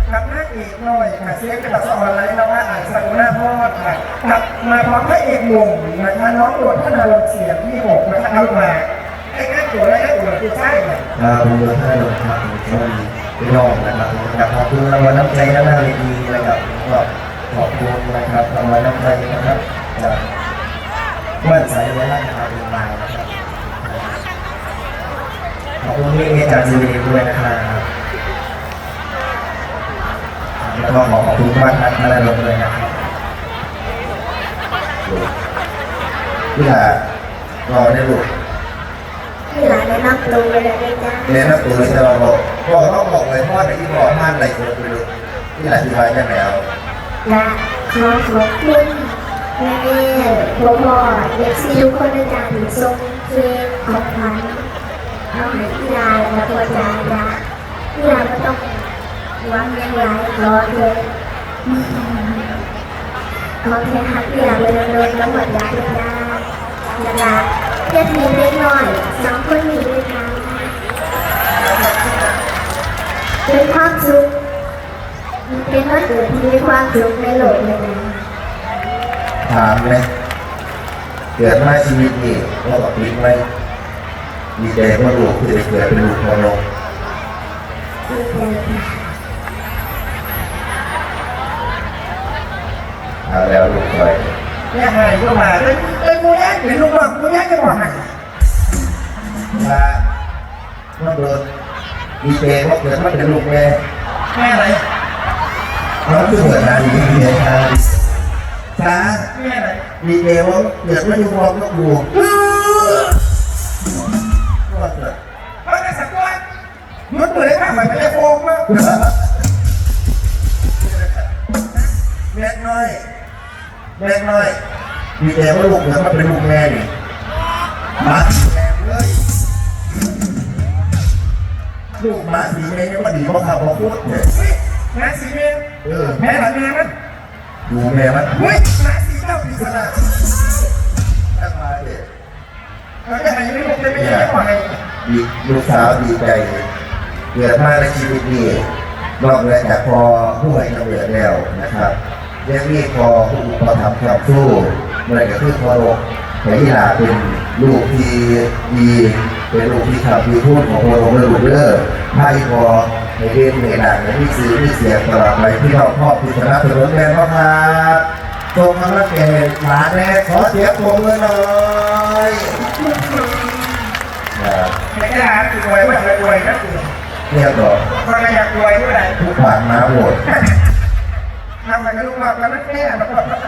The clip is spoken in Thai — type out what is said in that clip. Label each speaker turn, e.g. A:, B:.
A: กับนางเอกน้อยค่ะเสียงกระสอนไรนวะอ่านสักุณาพอดค่ะกับมาพร้อมพระเอกหนุ่มนะคะน้องโดดท่านอารมณ์เสียงที่6นะคะเอามาไอ้ง่ายตัวและง่ายตัวคือใช่ไหม
B: ผมโดนท่านโดนครับผมชอบพี่น้องนะครับขอบคุณรางวัลน้ำใจด้านหน้าเวทีนะครับก็ขอบคุณนะครับรางวัลน้ำใจนะครับจากบ้านสายเวลานะครับเป็นมานะครับขอบคุณพี่จากซีดีด้วยนะครับแล้วก็ขอบคุณบ้านนักมาลงเลยนะครับพี่หลารอได้ลูก
C: พี่หลานแนะนำตัวเลยได้จ้า
B: แนะนำตัวเลยจะบอกพ่อต้องบอกเลยพ่อไหนที่บอกท่านอะไรคนไปดูพี่หลานที่ไว้กันแล้ว
C: และขอขอบคุณแม่พ่อเด็กซีทุกคนในการส่งเพลงของขวัญเอาให้พี่ลาและพ่อจ๋าจ้าพี่ลาก็ต้องวางยังไงรอเลยขอแค่ฮักพี่ลาไปเดินแล้วหมดยาเลยจ้านะคะเพื่อนมีเล็กน้อย2 คนมีด้วยกันเป็นความสุขเป็นวันเกิดที่มีความสุขในโลกเลยนะ
B: ถามเลยเกิดมาชีวิตนี้เรากับปิ๊กไหมมีใจว่าลูกคือจะเกิดเป็นลูกพ่อน้องแล้วลูกไป
A: เนี่ยหายก็มาเลยมูยักษ์หรือลูกบอกมูยักษ์จะบอกไง
B: ว่าว่าโดนมีใจว่าเกิดมาเป็นลูกแม่
A: อะไร
B: เราคือเกิดมาดีเมียทางช้ามีใจว่าเกิดมาอยู่พร้อมกับลูกว่าเกิด
A: เพราะในสักวันยุดมือได้ข้ามไปไม่ได้โฟมมาก
B: แม่น้อยมีใจว่าลูกเกิดมาเป็นลูกแม่ดิมาแรงเลยลูกมาสีแม่ยังมาดีเพราะขับเพราะพูดเนี่ย
A: แม่สีเมย์แม่หลังแม่มัน
B: ดูแม่มัน
A: เฮ้ยแม่สีเจ้าสีสระ
B: ตั้งมาเด็ก
A: แล้วก็หายไม่ลงเลยไม่ได้ไม่ไหว
B: ลูกสาวดีใจเกิดมาในชีวิตนี้นอกเหนือจากพอผู้ให้กำเนิดแล้วนะครับเรียกนี่พอผู้อุปถัมภ์ความสู้เมื่อไรก็คือพอลงแต่ที่ลาเป็นลูกที่ดีเป็นลูกที่ขับที่พูดของพอลงและลูกเลิศไพ่พอในเรื่องในหนังในที่ซื้อที่เสียตลอดไปที่เราครอบพิจารณาถนนแม่พ่อครับตรงนั้นแก่หลานแม่ขอเสียงปรบมือหน่อย
A: ไม่ได้หาตัวรวยไม่รวยนะตัว
B: เรียบร้อย
A: ก็ไม่อยากรวยเท่าไหร่
B: ทุกบาทมาหมด
A: ทำอะไรก็ลูกหลับแล้วไม่แก้